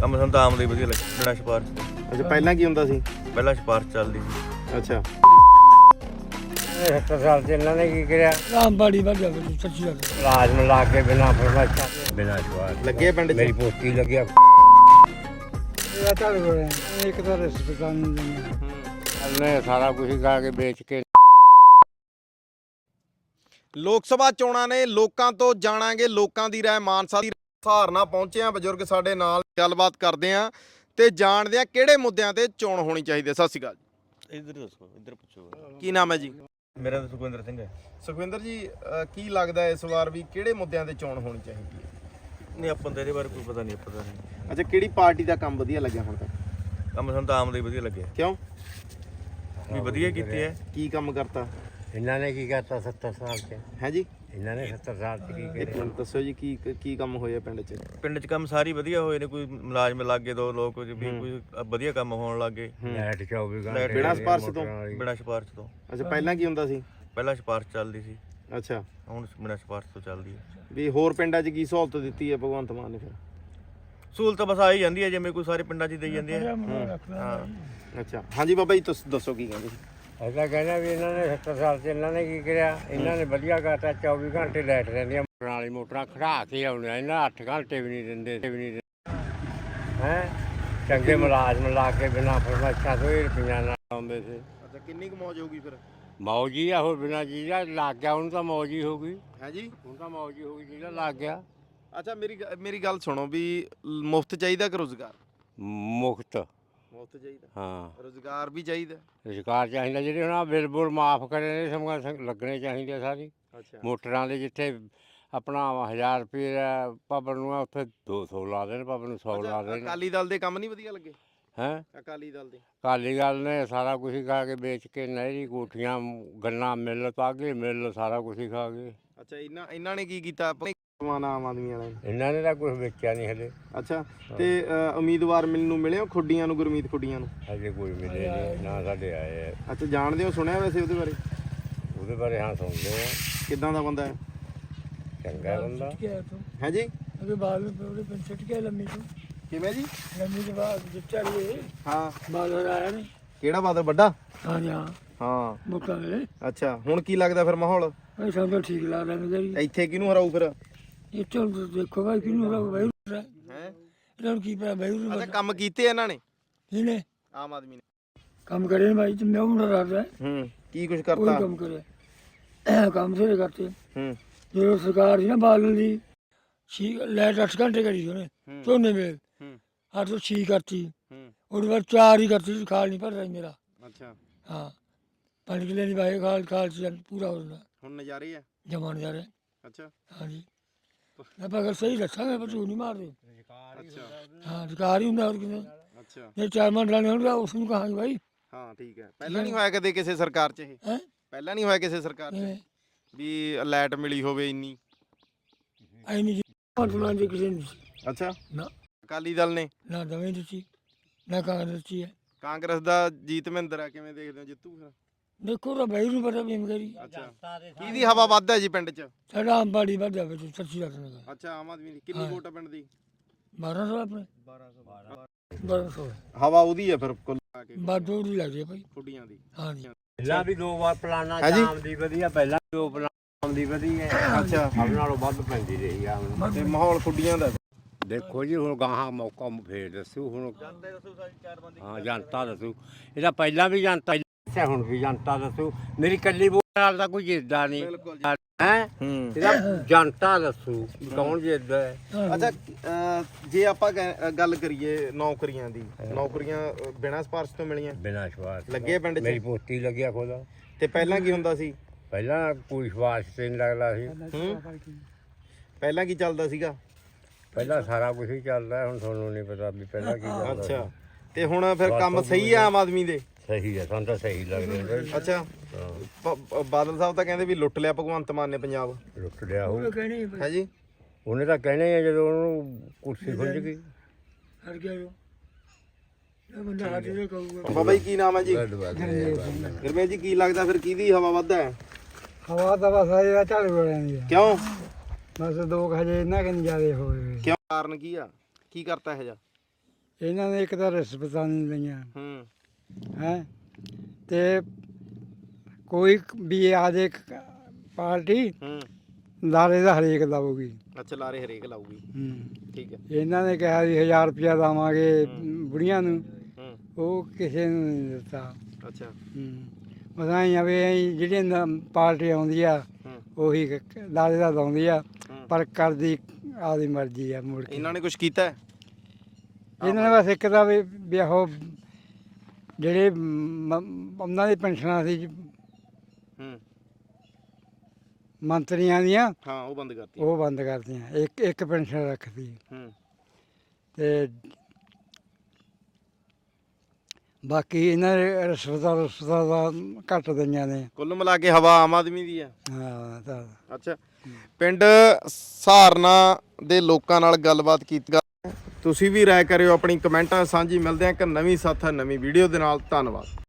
ਕੰਮ ਸਾਨੂੰ ਤਾਂ ਆਮ ਦੇ ਵਧੀਆ ਲੱਗੇ ਬਿਨਾਂ ਸਿਫਾਰਸ਼ ਤੋਂ। ਅੱਛਾ ਪਹਿਲਾਂ ਕੀ ਹੁੰਦਾ ਸੀ? ਪਹਿਲਾਂ ਸਿਫਾਰਸ਼ ਚੱਲਦੀ ਸੀ। ਅੱਛਾ 70 ਸਾਲ ਚ ਇਹਨਾਂ ਨੇ ਕੀ ਕਰਿਆ? ਆਮਬਾੜੀ ਵੱਧ ਜਾਵੇ ਸੱਚੀ ਗੱਲ। ਲਾਜ਼ਮ ਲਾ ਕੇ ਬਿਨਾਂ ਫਰਮਾਇਸ਼ਾਂ ਬਿਨਾਂ ਸਵਾਲ ਲੱਗੇ ਪਿੰਡ 'ਚ? ਮੇਰੀ ਪੋਤੀ ਲੱਗਿਆ। ਇਹ ਚੱਲ ਗਏ ਇੱਕ ਤਾਂ ਰਿਸ਼ਤੇਦਾਰ ਨੂੰ ਦਿੰਦੇ ਉਹਨੇ ਸਾਰਾ ਕੁਝ ਖਾ ਕੇ ਵੇਚ ਕੇ। ਲੋਕ ਸਭਾ ਚੋਣਾਂ ਨੇ, ਲੋਕਾਂ ਤੋਂ ਜਾਣਾਂਗੇ ਲੋਕਾਂ ਦੀ ਰਾਏ। ਮਾਨਸਾ ਦੀ ਸਹਾਰਨਾ ਪਹੁੰਚੇ ਆ ਬਜ਼ੁਰਗ ਸਾਡੇ ਨਾਲ, ਗੱਲਬਾਤ ਕਰਦੇ ਆ ਤੇ ਜਾਣਦੇ ਆ ਕਿਹੜੇ ਮੁੱਦਿਆਂ ਤੇ ਚੋਣ ਹੋਣੀ ਚਾਹੀਦੀ ਹੈ। ਸਤਿ ਸ਼੍ਰੀ ਅਕਾਲ ਜੀ। ਇੱਧਰ ਦੱਸੋ, ਇੱਧਰ ਪੁੱਛੋ। ਕੀ ਨਾਮ ਹੈ ਜੀ? ਮੇਰਾ ਤਾਂ ਸੁਖਵਿੰਦਰ ਸਿੰਘ ਹੈ। ਸੁਖਵਿੰਦਰ ਜੀ, ਕੀ ਲੱਗਦਾ ਇਸ ਵਾਰ ਵੀ ਕਿਹੜੇ ਮੁੱਦਿਆਂ ਤੇ ਚੋਣ ਹੋਣੀ ਚਾਹੀਦੀ ਹੈ? ਨਹੀਂ ਆਪਾਂ ਨੂੰ ਤਾਂ ਇਹਦੇ ਬਾਰੇ ਕੋਈ ਪਤਾ ਨਹੀਂ। ਅੱਛਾ ਕਿਹੜੀ ਪਾਰਟੀ ਦਾ ਕੰਮ ਵਧੀਆ ਲੱਗਿਆ ਹੁਣ ਤੱਕ? ਕੰਮ ਸਾਨੂੰ ਤਾਂ ਆਮ ਦੇ ਵਧੀਆ ਲੱਗਿਆ। ਕਿਉਂ? ਵੀ ਵਧੀਆ ਕੀਤੇ ਹੈ। ਕੀ ਕੰਮ ਕਰਤਾ ਇਹਨਾਂ ਨੇ ਕੀ ਕਰਤਾ 70 ਸਾਲ ਚ? ਹੈ ਜੀ? ਇਹਨਾਂ ਨੇ 70 ਸਾਲ ਚ ਕੀ ਇੱਕ ਕਰਿਆ? ਮਿੰਟ ਦੱਸੋ ਜੀ, ਕੀ ਕੰਮ ਹੋਇਆ ਪਿੰਡ 'ਚ? ਪਿੰਡ 'ਚ ਕੰਮ ਸਾਰੇ ਵਧੀਆ ਹੋਏ ਨੇ। ਕੋਈ ਮੁਲਾਜ਼ਮ ਲੱਗੇ, ਦੋ ਲੋਕ ਵੀ ਕੋਈ ਵਧੀਆ ਕੰਮ ਹੋਣ ਲੱਗੇ ਲਾਈਟ 24 ਘੰਟੇ ਬਿਨਾਂ ਸਿਫਾਰਸ਼ ਤੋਂ? ਬਿਨਾਂ ਸਿਫਾਰਸ਼ ਤੋਂ। ਅੱਛਾ ਪਹਿਲਾਂ ਕੀ ਹੁੰਦਾ ਸੀ? ਪਹਿਲਾਂ ਸਿਫਾਰਸ਼ ਚੱਲਦੀ ਸੀ, ਅੱਛਾ ਹੁਣ ਬਿਨਾਂ ਸਿਫਾਰਸ਼ ਤੋਂ ਚੱਲਦੀ ਹੈ। ਵੀ ਹੋਰ ਪਿੰਡਾਂ 'ਚ ਕੀ ਸਹੂਲਤ ਦਿੱਤੀ ਹੈ ਭਗਵੰਤ ਮਾਨ ਨੇ ਫਿਰ? ਸਹੂਲਤ ਬਸ ਆਈ ਜਾਂਦੀ ਹੈ ਜਿਵੇਂ ਕੋਈ ਸਾਰੇ ਪਿੰਡਾਂ 'ਚ ਹੀ ਦੇਈ ਜਾਂਦੇ ਆ। ਹਾਂ ਅੱਛਾ ਹਾਂਜੀ ਬਾਬਾ ਜੀ ਤੁਸੀਂ ਦੱਸੋ ਕੀ ਕਹਿੰਦੇ ਸੀ? ਐਸਾ ਕਹਿੰਦਾ ਵੀ ਇਹਨਾਂ ਨੇ 70 ਸਾਲ ਚ ਇਹਨਾਂ ਨੇ ਕੀ ਕਰਿਆ? ਇਹਨਾਂ ਨੇ ਵਧੀਆ ਕਰਤਾ। 24 ਘੰਟੇ ਲਾਈਟ ਰਹਿੰਦੀਆਂ। ਮੋਟਰਾਂ ਵਾਲੀ ਮੋਟਰਾਂ ਖੜਾ ਕੇ ਆਉਣੀਆਂ। ਇਹਨਾਂ 8 ਘੰਟੇ ਵੀ ਨਹੀਂ ਦਿੰਦੇ ਹੈ। ਚੰਗੇ ਮੁਲਾਜ਼ਮ ਲਾ ਕੇ ਬਿਨਾਂ ਫਰਮਾਇਸ਼ਾਂ ਤੋਂ ਹੀ ਰੁਪਈਆ ਨਾਲ ਆਉਂਦੇ ਸੀ। ਅੱਛਾ ਕਿੰਨੀ ਕੁ ਮੌਜ ਹੋਊਗੀ ਫਿਰ? ਮੌਜ ਹੀ ਆ, ਹੋਰ ਬਿਨਾਂ ਚੀਜ਼ਾਂ ਲੱਗ ਗਿਆ ਉਹਨੂੰ ਤਾਂ ਮੌਜ ਹੀ ਹੋ ਗਈ। ਹੈ ਜੀ? ਹੁਣ ਤਾਂ ਮੌਜ ਹੀ ਹੋ ਗਈ ਜਿਹੜਾ ਲੱਗ ਗਿਆ। ਅੱਛਾ ਮੇਰੀ ਗੱਲ ਸੁਣੋ, ਵੀ ਮੁਫਤ ਚਾਹੀਦਾ ਕਿ ਰੁਜ਼ਗਾਰ? ਮੁਫਤ। ਮੁਫਤ ਚਾਹੀਦਾ। ਹਾਂ ਰੁਜ਼ਗਾਰ ਵੀ ਚਾਹੀਦਾ। ਰੁਜ਼ਗਾਰ ਚਾਹੀਦਾ। ਜਿਹੜੇ ਹੁਣ ਆਹ ਬਿੱਲ ਬੁੱਲ ਮਾਫ ਕਰੇ ਨੇ ਸਮਾਂ ਲੱਗਣੇ ਚਾਹੀਦੇ ਸਾਰੀ। ਅੱਛਾ ਮੋਟਰਾਂ ਦੇ ਜਿੱਥੇ ਆਪਣਾ 1000 ਰੁਪਏ ਪਬਨ ਨੂੰ ਆ, ਉੱਥੇ 200 ਲਾ ਦੇਣ, ਪਬਨ ਨੂੰ 100 ਲਾ ਦੇਣ। ਅਕਾਲੀ ਦਲ ਦੇ ਕੰਮ ਨਹੀਂ ਵਧੀਆ ਲੱਗੇ? ਹੈਂ ਅਕਾਲੀ ਦਲ ਦੇ? ਅਕਾਲੀ ਦਲ ਨੇ ਸਾਰਾ ਕੁਝ ਖਾ ਕੇ ਵੇਚ ਕੇ ਨਹਿਰੀ ਕੋਠੀਆਂ ਗੰਨਾ ਮਿੱਲ ਤਾਗੇ ਮਿੱਲ ਸਾਰਾ ਕੁਝ ਹੀ ਖਾ ਗਏ। ਅੱਛਾ ਇਹਨਾਂ ਨੇ ਕੀ ਕੀਤਾ ਆਮ ਆਦਮੀ ਵਾਲਿਆਂ ਨੇ? ਇਹਨਾਂ ਨੇ ਤਾਂ ਕੁਝ ਵੇਚਿਆ ਨਹੀਂ ਹਲੇ। ਅੱਛਾ ਤੇ ਉਮੀਦਵਾਰ ਨੂੰ ਮਿਲੇ ਹੋ ਖੁੱਡੀਆਂ ਨੂੰ, ਗੁਰਮੀਤ ਖੁੱਡੀਆਂ ਨੂੰ? ਹਜੇ ਕੋਈ ਮਿਲੇ ਨਹੀਂ ਨਾ ਸਾਡੇ ਆਏ ਆ। ਅੱਛਾ ਜਾਣਦੇ ਹੋ, ਸੁਣਿਆ ਵੈਸੇ ਉਹਦੇ ਬਾਰੇ? ਉਹਦੇ ਬਾਰੇ ਹਾਂ ਸੁਣਦੇ ਆ। ਕਿੱਦਾਂ ਦਾ ਬੰਦਾ ਹੈ? ਚੰਗਾ ਬੰਦਾ ਹੈ ਜੀ? ਅਗੇ ਬਾਅਦ ਵਿੱਚ ਉਹਦੇ ਪਿੰਡ ਛੱਡ ਕੇ ਲੰਮੀ ਤੋਂ ਕਿਵੇਂ ਜੀ? ਲੰਮੀ ਦੇ ਬਾਅਦ ਜਿੱਤਿਆ ਇਹ ਹਾਂ ਬਾਦਲ ਆਇਆ ਨਹੀਂ। ਕਿਹੜਾ ਬਾਦਲ? ਵੱਡਾ? ਹਾਂ ਜੀ ਹਾਂ ਹਾਂ ਮੋਟਾ ਵੇ। ਅੱਛਾ ਹੁਣ ਕੀ ਲੱਗਦਾ ਫਿਰ ਮਾਹੌਲ ਇਹ ਸਭ ਤੋਂ ਠੀਕ ਲੱਗਦਾ ਮੈਨੂੰ। ਇੱਥੇ ਕਿਹਨੂੰ ਹਰਾਊ ਫਿਰ? ਇੱਥੇ ਹੁਣ ਦੇਖੋ ਭਾਈ ਕਿਹਨੂੰ ਰੋ ਭਾਈ ਹੈ ਇਹਨਾਂ ਨੂੰ ਕੀ ਪਤਾ ਭਾਈ ਅੱਛਾ ਕੰਮ ਕੀਤੇ ਇਹਨਾਂ ਨੇ ਇਹਨੇ ਆਮ ਆਦਮੀ ਨੇ? ਕੰਮ ਕਰੇ ਨੇ ਭਾਈ ਤੇ ਮੈਂ ਉਹਨਾਂ ਦਾ ਰਹਾ ਕੀ ਕੁਝ ਕੋਈ ਕਰਤਾ? ਕੰਮ ਕਰੇ ਕੰਮ ਸੇ ਕਰਤੇ। ਜਦੋਂ ਸਰਕਾਰ ਸੀ ਨਾ ਬਾਦਲ ਦੀ ਲਾਈਟ 8 ਘੰਟੇ ਕਰੀ ਉਹਨੇ ਝੋਨੇ ਵੇਲ 8 ਤੋਂ 6 ਕਰਤੀ। ਉਹਦੇ ਬਾਅਦ 4 ਹੀ ਕਰਤੀ। ਖਾਲ ਨਹੀਂ ਭਰਦਾ ਮੇਰਾ। ਅੱਛਾ ਹਾਂ 5 ਕਿੱਲੇ ਦੀ ਭਾਈ ਖਾਲ ਚ ਪੂਰਾ ਹੋ ਜਾਂਦਾ। ਹੁਣ ਨਜ਼ਾਰੇ ਆ? ਜਮਾਨ ਜਾ ਰਿਹਾ। ਅੱਛਾ ਹਾਂਜੀ ਆਪਾਂ ਅਗਰ ਸਹੀ ਦੱਸਾਂਗੇ ਪਰ ਝੂਠ ਨਹੀਂ ਮਾਰਦੇ। ਅੱਛਾ ਹਾਂ ਅਧਿਕਾਰ ਹੀ ਹੁੰਦਾ ਹੋਰ ਕਿਸੇ। ਅੱਛਾ ਜੇ 4 ਮੰਡਲਾਂ ਹੋਣਗੇ ਉਸ ਨੂੰ ਕਹਾਂਗੇ ਭਾਈ। ਹਾਂ ਠੀਕ ਹੈ। ਪਹਿਲਾਂ ਨਹੀਂ ਹੋਇਆ ਕਦੇ ਕਿਸੇ ਸਰਕਾਰ 'ਚ ਇਹ? ਹੈ ਪਹਿਲਾਂ ਨਹੀਂ ਹੋਇਆ ਕਿਸੇ ਸਰਕਾਰ 'ਚ ਵੀ ਲਾਈਟ ਮਿਲੀ ਹੋਵੇ ਇੰਨੀ? ਐ ਨਹੀਂ ਜੀ ਮੰਡਲਾਂ ਦੇ ਕਿਸੇ ਨੂੰ ਅੱਛਾ ਨਾ ਅਕਾਲੀ ਦਲ ਨੇ? ਨਾ ਦਵੇਂ ਦਿੱਤੀ ਨਾ ਕਾਂਗਰਸ ਦਿੱਤੀ ਹੈ। ਕਾਂਗਰਸ ਦਾ ਜੀਤ ਮਹਿੰਦਰ ਆ, ਕਿਵੇਂ ਦੇਖਦੇ ਹੋ ਜਿੱਤੂ ਫਿਰ? ਦੇਖੋ ਤਾਂ ਭਾਈ ਨੂੰ ਪਤਾ ਵੀ ਕਰੀ ਅੱਛਾ ਕਿਹਦੀ ਹਵਾ ਵੱਧ ਹੈ ਜੀ ਪਿੰਡ 'ਚ? ਸਾਡਾ ਆਮਬਾੜੀ ਵੱਧ ਜਾਵੇ ਤੇ ਸੱਚੀ ਗੱਲ ਨਾ। ਅੱਛਾ ਆਮ ਆਦਮੀ ਦੀ ਕਿੰਨੀ ਵੋਟ ਆ ਪਿੰਡ ਦੀ? 1200 ਆਪਣੇ 1200 ਹਵਾ ਉਹਦੀ ਹੈ ਫਿਰ ਕੁੱਲ ਆ ਕੇ ਬਾਦੋ ਦੀ ਲੱਗਦੀ ਹੈ ਭਾਈ ਖੁੱਡੀਆਂ ਦੀ? ਹਾਂਜੀ ਪਹਿਲਾਂ ਵੀ 2 ਵਾਰ ਪਲਾਨਾ ਹਾਂਜੀ। ਸ਼ਾਮ ਦੀ ਵਧੀਆ, ਪਹਿਲਾਂ 2 ਪਲਾਨ ਦੀ ਵਧੀਆ। ਅੱਛਾ ਸਭ ਨਾਲੋਂ ਵੱਧ ਪੈਂਦੀ ਰਹੀ ਆ ਹੁਣ। ਤੇ ਮਾਹੌਲ ਖੁੱਡੀਆਂ ਦਾ? ਦੇਖੋ ਜੀ ਹੁਣ ਗਾਹਾਂ ਮੌਕਾ ਫੇਰ ਦੱਸੂ ਹੁਣ। ਹਾਂ ਜਨਤਾ ਦੱਸੂ। ਇਹਦਾ ਪਹਿਲਾਂ ਵੀ ਜਨਤਾ ਦੱਸਿਆ, ਹੁਣ ਵੀ ਜਨਤਾ ਦੱਸੂ। ਮੇਰੀ ਕੱਲੀ ਵੋਟ ਨਾਲ ਤਾਂ ਕੋਈ ਜਿੱਤਦਾ ਨਹੀਂ ਹੈ। ਇਹਦਾ ਜਨਤਾ ਦੱਸੂ ਕੌਣ ਜਿੱਤਦਾ ਹੈ। ਅੱਛਾ ਜੇ ਆਪਾਂ ਗੱਲ ਕਰੀਏ ਨੌਕਰੀਆਂ ਦੀ, ਨੌਕਰੀਆਂ ਬਿਨਾਂ ਸਿਫਾਰਸ਼ ਤੋਂ ਮਿਲੀਆਂ? ਬਿਨਾਂ ਸਵਾਲ ਲੱਗੇ ਪਿੰਡ 'ਚ? ਮੇਰੀ ਪੋਤੀ ਲੱਗਿਆ ਖੁਦ। ਤੇ ਪਹਿਲਾਂ ਕੀ ਹੁੰਦਾ ਸੀ? ਪਹਿਲਾਂ ਕੋਈ ਸਵਾਸ ਤੇ ਨਹੀਂ ਲੱਗਦਾ ਸੀ। ਪਹਿਲਾਂ ਕੀ ਚੱਲਦਾ ਸੀਗਾ? ਪਹਿਲਾਂ ਸਾਰਾ ਕੁਝ ਹੀ ਚੱਲਦਾ। ਹੁਣ ਤੁਹਾਨੂੰ ਨਹੀਂ ਪਤਾ ਵੀ ਪਹਿਲਾਂ ਕੀ ਚੱਲਦਾ। ਅੱਛਾ ਤੇ ਹੁਣ ਫਿਰ ਕੰਮ ਸਹੀ ਆ ਆਮ ਆਦਮੀ ਦੇ? ਸਹੀ ਹੈ, ਸਾਨੂੰ ਤਾਂ ਸਹੀ ਲੱਗਦਾ। ਅੱਛਾ ਬਾਦਲ ਸਾਹਿਬ ਤਾਂ ਕਹਿੰਦੇ ਵੀ ਲੁੱਟ ਲਿਆ ਭਗਵੰਤ ਮਾਨ ਨੇ ਪੰਜਾਬ। ਲੁੱਟ ਲਿਆ ਉਹ ਹੈ ਜੀ? ਉਹਨੇ ਤਾਂ ਕਹਿਣੇ ਆ ਜਦੋਂ ਉਹਨੂੰ ਕੁਰਸੀ ਖੁੱਲ ਗਈ। ਹਰ ਗਿਆ ਇਹ ਬੰਦਾ ਹੱਥ ਦੇ ਕਹੂਗਾ। ਬਾਬਾ ਜੀ ਕੀ ਨਾਮ ਹੈ ਜੀ? ਗੁਰਮੇਲ ਜੀ ਕੀ ਲੱਗਦਾ ਫਿਰ ਕਿਹਦੀ ਹਵਾ ਵੱਧ ਹੈ? ਹਵਾ ਤਾਂ ਬਸ ਇਹ ਝਾੜੂ ਵਾਲਿਆਂ ਦੀ ਆ। ਕਿਉਂ? ਬਸ 2 ਹਜੇ ਇਹਨਾਂ ਕਿ ਜ਼ਿਆਦਾ ਹੋਏ। ਕਿਉਂ? ਕਾਰਨ ਕੀ ਆ? ਕੀ ਕਰਤਾ ਇਹ ਜਾ? ਇਹਨਾਂ ਨੇ ਇੱਕ ਤਾਂ ਰਿਸ਼ਵਤਾਂ ਨਹੀਂ ਲਈਆਂ ਹੂੰ ਹੈ ਤੇ ਕੋਈ ਵੀ ਆ ਜੇ ਪਾਰਟੀ ਹੂੰ ਲਾਰੇ ਦਾ ਹਰੇਕ ਲਾਊਗੀ। ਅੱਛਾ ਲਾਰੇ ਹਰੇਕ ਲਾਊਗੀ ਠੀਕ ਹੈ ਇਹਨਾਂ ਨੇ ਕਿਹਾ ਵੀ 1000 ਰੁਪਇਆ ਦੇਵਾਂਗੇ ਬੁੜੀਆਂ ਨੂੰ, ਹੂੰ ਉਹ ਕਿਸੇ ਨੂੰ ਨਹੀਂ ਦਿੱਤਾ। ਅੱਛਾ ਪਤਾ ਹੀ ਆ ਵੀ ਅਸੀਂ ਜਿਹੜੀ ਪਾਰਟੀ ਆਉਂਦੀ ਆ ਹੂੰ ਉਹੀ ਲਾਰੇ ਦਾ ਲਾਉਂਦੀ ਆ, ਹੂੰ। ਪਰ ਕਰਦੀ ਆਪਦੀ ਮਰਜ਼ੀ ਆ ਮੁੜ ਕੇ। ਇਹਨਾਂ ਨੇ ਕੁਝ ਕੀਤਾ ਹੈ? ਇਹਨਾਂ ਨੇ ਬਸ ਇੱਕ ਤਾਂ ਵੀ ਉਹ ਜਿਹੜੇ ਉਹਨਾਂ ਦੀ ਪੈਨਸ਼ਨਾਂ ਸੀ ਹੂੰ ਮੰਤਰੀਆਂ ਦੀਆਂ, ਹਾਂ ਉਹ ਬੰਦ ਕਰਤੀ ਉਹ ਬੰਦ ਕਰਤੀਆਂ। ਇੱਕ ਪੈਨਸ਼ਨ ਰੱਖਦੀ ਹੂੰ ਤੇ ਬਾਕੀ ਇਹਨਾਂ ਨੇ ਰਿਸ਼ਵਤਾਂ ਦਾ ਘੱਟ ਦਈਆਂ ਨੇ। ਕੁੱਲ ਮਿਲਾ ਕੇ ਹਵਾ ਆਮ ਆਦਮੀ ਦੀ ਆ। ਹਾਂ ਤਾਂ ਅੱਛਾ ਪਿੰਡ ਸਹਾਰਨਾ ਦੇ ਲੋਕਾਂ ਨਾਲ ਗੱਲਬਾਤ ਕੀਤੀ। ਤੁਸੀਂ ਵੀ ਰਾਏ ਕਰਿਓ ਆਪਣੀ ਕਮੈਂਟਾਂ ਸਾਂਝੀ। ਮਿਲਦੇ ਆ ਇੱਕ ਨਵੀਂ ਸਾਥ ਨਵੀਂ ਵੀਡੀਓ ਦੇ ਨਾਲ। ਧੰਨਵਾਦ।